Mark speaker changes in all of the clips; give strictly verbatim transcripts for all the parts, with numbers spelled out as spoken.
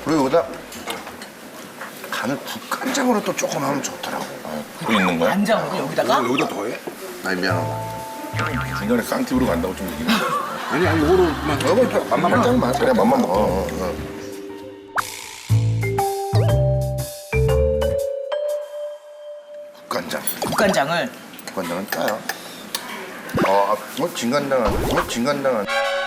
Speaker 1: 그리고 여기다 간을 국간장으로 또 조금 하면 좋더라고.
Speaker 2: 또 있는 거야?
Speaker 3: 간장으로 여기다가?
Speaker 4: 어, 여기다 더해?
Speaker 1: 아니 미안하다.
Speaker 2: 중간에 쌍팁으로 간다고 좀 얘기해.
Speaker 4: 아니 아니 이거로만
Speaker 1: 여보 맛만 간장만 그래 맛만 먹어. 어, 어. 국간장.
Speaker 3: 국간장을.
Speaker 1: 국간장은 짜요. 어, 아, 어 진간장은 어 진간장은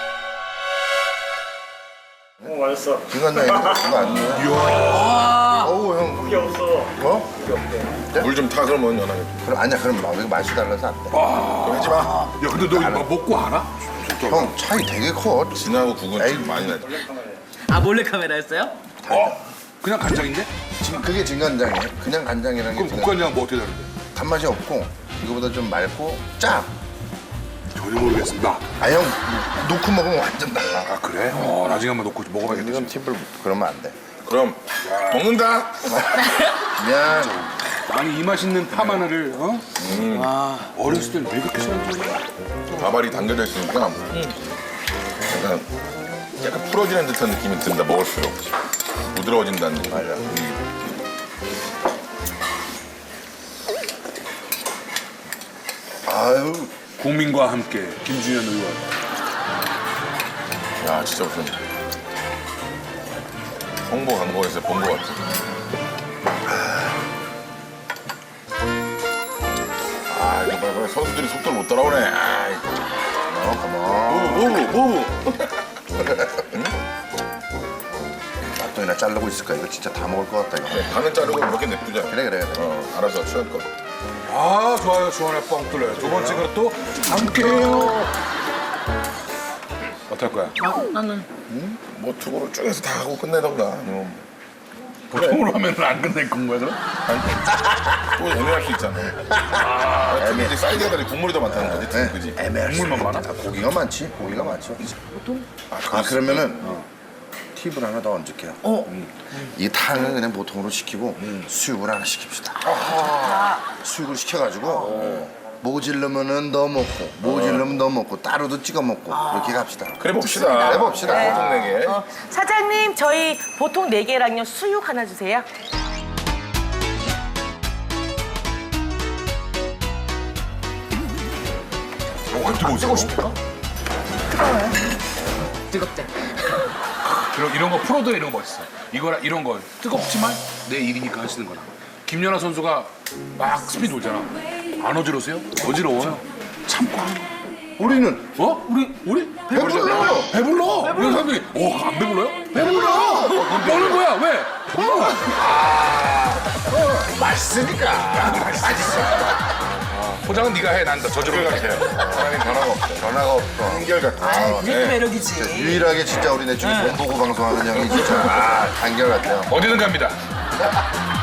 Speaker 5: 어 맛있어.
Speaker 1: 진간장이 그거 아니야. 어우 형.
Speaker 5: 그게 없어.
Speaker 1: 어?
Speaker 2: 물 좀 타 그러면 연하게.
Speaker 1: 그럼 아니야 그럼 막 이거 맛이 달라서 안 돼.
Speaker 2: 하지 마.
Speaker 4: 야 근데 너 이거 먹고 알아?
Speaker 1: 형 차이 되게 커.
Speaker 2: 진하고 국은
Speaker 1: 에이.
Speaker 2: 좀 많이 나지.
Speaker 3: 아 몰래카메라였어요?
Speaker 4: 어? 그냥 간장인데?
Speaker 1: 지금 그게 진간장이에요. 그냥 간장이랑 게
Speaker 4: 그럼
Speaker 1: 진간-
Speaker 4: 국간장은 뭐 어떻게 다른데?
Speaker 1: 단맛이 없고 이거보다 좀 맑고 짜.
Speaker 4: 전혀 모르겠습니다.
Speaker 1: 아 형 놓고 먹으면 완전 달라.
Speaker 4: 아 그래? 어 나중에 한번 놓고 먹어봐야겠다.
Speaker 1: 이건 팁을 그러면 안 돼.
Speaker 2: 그럼 먹는다.
Speaker 1: 미안.
Speaker 4: 아니 이 맛있는 파마늘을 어? 와 어렸을 때는 왜 그렇게 싫어하는 거야?
Speaker 2: 밥알이 담겨져 있으니까 약간 약간 풀어지는 듯한 느낌이 든다 먹을수록 부드러워진다는 느낌.
Speaker 1: 맞아. 아유
Speaker 4: 국민과 함께 김준현 의원.
Speaker 2: 야 진짜 무슨 홍보 광고에서 본 것 같아. 아 이거 봐봐 선수들이 속도를 못 따라오네. 아이.
Speaker 1: 어 가만.
Speaker 2: 오우 오우.
Speaker 1: 납동이나 자르고 있을 거야. 이거 진짜 다 먹을 것 같다 이거.
Speaker 2: 반은 자르고 이렇게 냅두자.
Speaker 1: 그래 그래 그래.
Speaker 2: 어 알아서 취할 거.
Speaker 4: 아 좋아요 주원의 뻥 뚫려요. 두 번째 그릇도 함께해요. 어떨 거야?
Speaker 3: 아, 나는.
Speaker 2: 뭐 투고를 쭉 해서 다 하고 끝내던가. 뭐.
Speaker 4: 보통으로 하면 안 끝낼 건 거야 그럼?
Speaker 2: 또 애매할 수 있잖아. 아, 특히 이제 사이드가 다르 국물이 더 많다는 거지.
Speaker 1: 네.
Speaker 2: 그지?
Speaker 1: 애매할 수
Speaker 4: 국물만 많아?
Speaker 1: 있겠다. 아, 고기가 많지. 고기가 많죠. 아 그러면은 팁을 하나 더 얹을게요.
Speaker 3: 어.
Speaker 1: 이 탕을 그냥 보통으로 시키고 수육을 하나 시킵시다. 수육을 시켜가지고 모질르면은 넣어 먹고 모질르면 넣어 먹고 따로도 찍어 먹고 이렇게 갑시다.
Speaker 2: 그래 봅시다.
Speaker 1: 그래 봅시다.
Speaker 2: 네. 보통 내게.
Speaker 3: 어, 사장님 저희 보통 네 개랑요 수육 하나 주세요.
Speaker 4: 어, 안 뜨거워. 뜨고 싶다.
Speaker 3: 뜨겁대.
Speaker 4: 이런, 이런 거 프로도 이런 거 멋있어. 이거라 이런 거 뜨겁지만 내 일이니까 하시는 거라. 김연아 선수가 막 스피드 돌잖아. 안 어지러우세요? 어지러워요. 참고 하는 거.
Speaker 1: 우리는
Speaker 4: 어? 우리 우리
Speaker 1: 배불러.
Speaker 4: 배불러. 이런 사람들이 어안 배불러요? 배불러. 너는 뭐야? 왜? 어.
Speaker 1: 맛있으니까.
Speaker 4: 포장은 네가 해. 난 저절로
Speaker 2: 같아요. 사람이 변화가 없어.
Speaker 1: 전화가 없어.
Speaker 2: 한결 같아.
Speaker 3: 아, 그게 또
Speaker 2: 네.
Speaker 3: 매력이지.
Speaker 1: 유일하게 진짜 우리네 중에 돈 보고 방송하는 형이 진짜 아, 한결 같아요.
Speaker 4: 어디든 갑니다.